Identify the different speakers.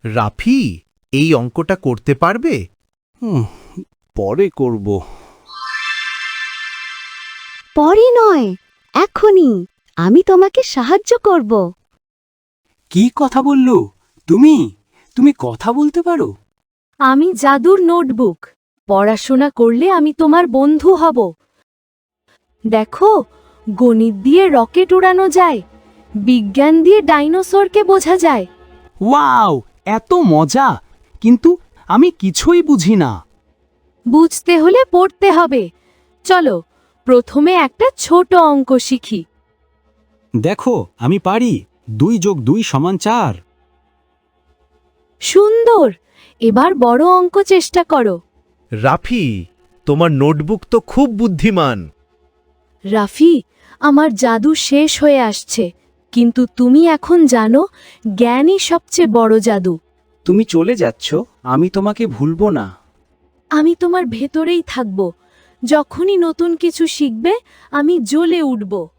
Speaker 1: রাফি, এই অঙ্কটা করতে পারবে?
Speaker 2: পরে করব।
Speaker 3: পরে নয়, এখনই। আমি তোমাকে সাহায্য করব।
Speaker 2: কি কথা বললো? তুমি তুমি কথা বলতে পারো?
Speaker 3: আমি জাদুর নোটবুক। পড়াশোনা করলে আমি তোমার বন্ধু হব। দেখো, গণিত দিয়ে রকেট উড়ানো যায়, বিজ্ঞান দিয়ে ডাইনোসরকে বোঝা যায়।
Speaker 2: ওয়াও, এত মজা! কিন্তু আমি কিছুই বুঝি না।
Speaker 3: বুঝতে হলে পড়তে হবে। চলো, প্রথমে একটা ছোট অঙ্ক শিখি।
Speaker 2: দেখো, আমি পারি। 2 + 2 = 4।
Speaker 3: সুন্দর। এবার বড় অঙ্ক চেষ্টা করো।
Speaker 1: রাফি, তোমার নোটবুক তো খুব বুদ্ধিমান।
Speaker 3: রাফি, আমার জাদু শেষ হয়ে আসছে, কিন্তু তুমি এখন জানো জ্ঞানই সবচেয়ে বড় জাদু।
Speaker 2: তুমি চলে যাচ্ছ, আমি তোমাকে ভুলবো না।
Speaker 3: আমি তোমার ভেতরেই থাকব। যখনই নতুন কিছু শিখবে, আমি জ্বলে উঠব।